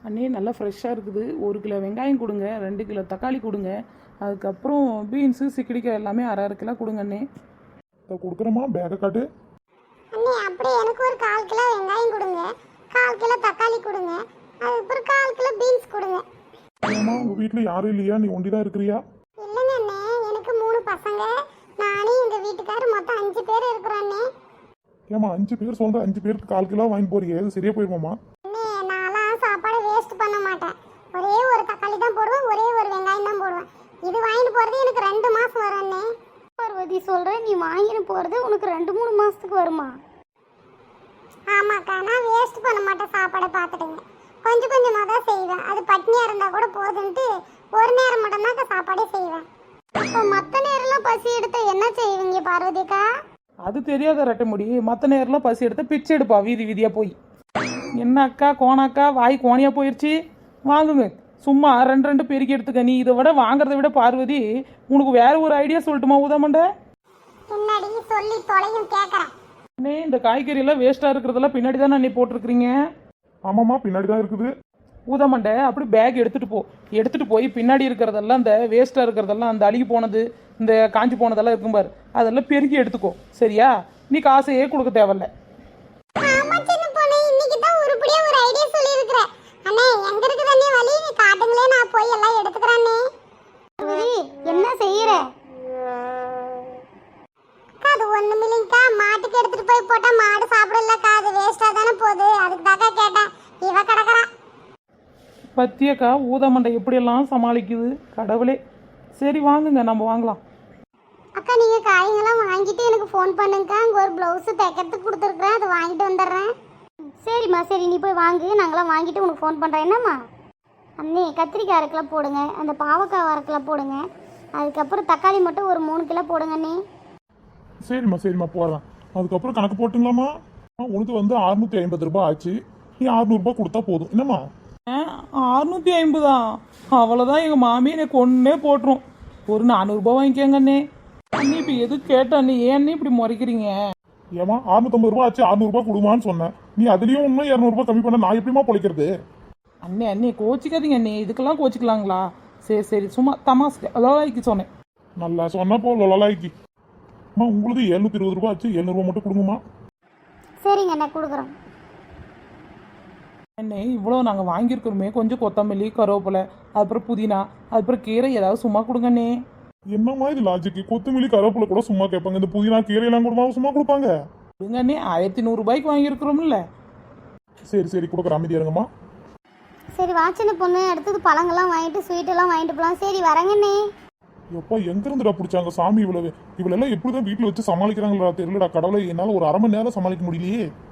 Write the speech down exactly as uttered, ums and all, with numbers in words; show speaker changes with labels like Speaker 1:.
Speaker 1: அண்ணே நல்லா ஃப்ரெஷ்ஷாக இருக்குது. ஒரு கிலோ வெங்காயம் கொடுங்க, ரெண்டு கிலோ தக்காளி கொடுங்க, அதுக்கப்புறம் பீன்ஸு சிக்கடிக்காய் எல்லாமே அரை அரை கிலோ கொடுங்க அண்ணே.
Speaker 2: இதை கொடுக்குறேம்மா, பேக்கை காட்டு.
Speaker 3: அண்ணே அப்படியே எனக்கு ஒரு கால் கிலோ வெங்காயம் கொடுங்க, கால் கிலோ தக்காளி கொடுங்க, அதுக்கப்புறம் கால் கிலோ பீன்ஸ் கொடுங்க.
Speaker 2: ஏம்மா உங்கள் வீட்டில் யாரும் இல்லையா? நீ ஒண்டி தான் இருக்கிறியா?
Speaker 3: இல்லைங்க அண்ணே, எனக்கு மூணு பசங்க, நானே எங்கள் வீட்டுக்காரர் மொத்தம் அஞ்சு பேர் இருக்கிறோம் அண்ணே.
Speaker 2: ஏம்மா அஞ்சு பேர் சொல்கிற, அஞ்சு பேருக்கு கால் கிலோ வாங்கி போறீங்க, அது சரியா போயிருமாம்மா?
Speaker 3: அண்ணே நான்லாம் சாப்பாடு வேஸ்ட் பண்ண மாட்டேன். ஒரே ஒரு தக்காளி தான் போடுவேன், ஒரே ஒரு வெங்காயம் தான் போடுவேன். இது வாங்கிட்டு போகிறது எனக்கு ரெண்டு மாதம் வரும் அண்ணே.
Speaker 4: பார்வதி சொல்கிறேன், நீ வாங்கிட்டு போகிறது உனக்கு ரெண்டு மூணு மாதத்துக்கு வருமா?
Speaker 3: ஆமாக்கா, நான் வேஸ்ட் பண்ண மாட்டேன் சாப்பாடை. பார்த்துட்டுங்க, கொஞ்சம் கொஞ்சமாக தான் செய்வேன். அது பட்னியாக இருந்தால் கூட போதுன்ட்டு ஒரு நேரம் மட்டும்தான் சாப்பாடே செய்வேன்.
Speaker 4: இப்போ மற்ற நேரம்லாம் பசி எடுத்த என்ன செய்வீங்க பார்வதிக்கா?
Speaker 1: அது தெரியாத ரெட்ட முடி. மற்ற நேரம்லாம் பசி எடுத்த பிச்சை எடுப்பா வீதி வீதியாக போய். என்ன அக்கா கோணாக்கா, வாய் கோணியாக போயிடுச்சு. வாங்குங்க, சும்மா ரெண்டு ரெண்டு பெருக்கி எடுத்துக்க. நீ இதை விட வாங்குறத விட பார்வதி உனக்கு வேற ஒரு ஐடியா சொல்லட்டுமா ஊதாமண்ட?
Speaker 3: பின்னாடி சொல்லி தொலையும் கேட்குறேன்.
Speaker 1: அண்ணே இந்த காய்கறியெல்லாம் வேஸ்ட்டாக இருக்கிறதெல்லாம் பின்னாடி தானே அண்ணே போட்டிருக்கிறீங்க.
Speaker 2: ஆமாம்மா, பின்னாடி தான் இருக்குது.
Speaker 1: ஊதாமண்டை அப்படி பேக் எடுத்துகிட்டு போ. எடுத்துகிட்டு போய் பின்னாடி இருக்கிறதெல்லாம், இந்த வேஸ்ட்டாக இருக்கிறதெல்லாம், அந்த அழுகி போனது, இந்த காஞ்சி போனதெல்லாம் இருக்கும் பாரு, அதெல்லாம் பெருக்கி எடுத்துக்கோ. சரியா? நீ காசையே கொடுக்க தேவையில்ல.
Speaker 3: ஆமா சின்ன பொண்ணு, இன்னைக்கு தான் உருப்படியா ஒரு ஐடியா சொல்லியிருக்கிறேன். அண்ணே எங்க இருக்குது அண்ணே வழி? காட்டுங்களே, நான் போய் எல்லாம் எடுத்துக்கிறேன் அண்ணே.
Speaker 4: பார்வதி என்ன செய்யற?
Speaker 3: அது ஒண்ணும் இல்லைங்கக்கா, மாட்டுக்கு எடுத்துட்டு போய் போட்டா மாடு சாப்பிடலக்கா, அது வேஸ்டா தானே போகுது. அதுக்கு தாக்கா கேட்டேன். இவ கிடக்குறா.
Speaker 1: பத்தியக்கா ஊதாமண்டை எப்படியெல்லாம் சமாளிக்குது கடவுளே. சரி வாங்குங்க, நம்ம வாங்கலாம்.
Speaker 3: அக்கா நீங்க காய்கெல்லாம் வாங்கிட்டு எனக்கு ஃபோன் பண்ணுங்கக்கா. அங்க ஒரு பிளவுஸ் தைக்கிறதுக்கு கொடுத்துருக்குறேன், அதை வாங்கிட்டு வந்துடுறேன்.
Speaker 4: சரிம்மா, சரி நீ போய் வாங்கு, நாங்களாம் வாங்கிட்டு உனக்கு ஃபோன் பண்ணுறேன். என்னம்மா அண்ணே, கத்திரிக்காய் அரை கிலோ போடுங்க, அந்த பாவக்காய் அரை கிலோ போடுங்க, அதுக்கப்புறம் தக்காளி மட்டும் ஒரு மூணு கிலோ போடுங்க அண்ணே.
Speaker 2: சரிம்மா சரிம்மா போடுறேன். அதுக்கப்புறம் கணக்கு போட்டுங்களாம்மா? உனக்கு வந்து அறுநூத்தி ஐம்பது ரூபாய் ஆச்சு. நீ அறுநூறுபா கொடுத்தா போதும். என்னம்மா
Speaker 1: அறுநூத்தி ஐம்பதா? அவ்வளோதான், எங்கள் மாமி எனக்கு ஒன்றே போட்டுரும். ஒரு நானூறுரூபா வாங்கிக்கோங்க அண்ணே. அண்ணே இப்போ எது கேட்ட அண்ணே, ஏன் அண்ணே இப்படி முறைக்கிறீங்க?
Speaker 2: ஏமா அறுநூத்தம்பது ரூபா ஆச்சு, அறுநூறுபா கொடுமான்னு சொன்னேன். நீ அதுலயும் இன்னும் இரநூறுபா கம்மி பண்ண நான் எப்படிமா பொழைக்கிறது?
Speaker 1: அண்ணே அண்ணே கோச்சிக்காதீங்க அண்ணே, இதுக்கெல்லாம் கோச்சிக்கலாங்களா? சரி சரி, சும்மா தமாஸ்க்கு அலோலாய்க்கு சொன்னேன்.
Speaker 2: நல்லா சொன்ன போ லொலாய்க்கு. அம்மா உங்களுக்கு எழுநூத்தி இருபது ரூபா ஆச்சு, எழுநூறுபா மட்டும் கொடுங்கம்மா.
Speaker 4: சரிங்க அண்ணே, கொடுக்குறோம்.
Speaker 1: அண்ணே இவ்வளோ நாங்கள் வாங்கியிருக்கிறோமே, கொஞ்சம் கொத்தமல்லி, கருவேப்பிலை, அதுக்கப்புறம் புதினா, அதுக்கப்புறம் கீரை ஏதாவது சும்மா கொடுங்க அண்ணே.
Speaker 2: என்னம்மா இது லாஜிக்கு? கொத்தமல்லி கருவேப்பிலை கூட சும்மா கேட்பாங்க, இந்த புதினா கீரையெல்லாம் கூட சும்மா கொடுப்பாங்க?
Speaker 1: கொடுங்க அண்ணே, ஆயிரத்தி நூறுரூபாய்க்கு வாங்கியிருக்கிறோம்ல.
Speaker 2: சரி சரி கொடுக்குற, அமைதியா இருங்கம்மா.
Speaker 4: சரி வா சின்ன பொண்ணு, அடுத்தது பழங்கள்லாம் வாங்கிட்டு ஸ்வீட்டெல்லாம் வாங்கிட்டு போகலாம். சரி வரங்கண்ணே.
Speaker 2: எப்பா எங்க இருந்துடா பிடிச்சாங்க சாமி? இவ்வளவு இவ்வளவு எல்லாம் எப்படிதான் வீட்டுல வச்சு சமாளிக்கிறாங்களா தெரியலடா கடவுளை. என்னால ஒரு அரை மணி நேரம் சமாளிக்க முடியலையே.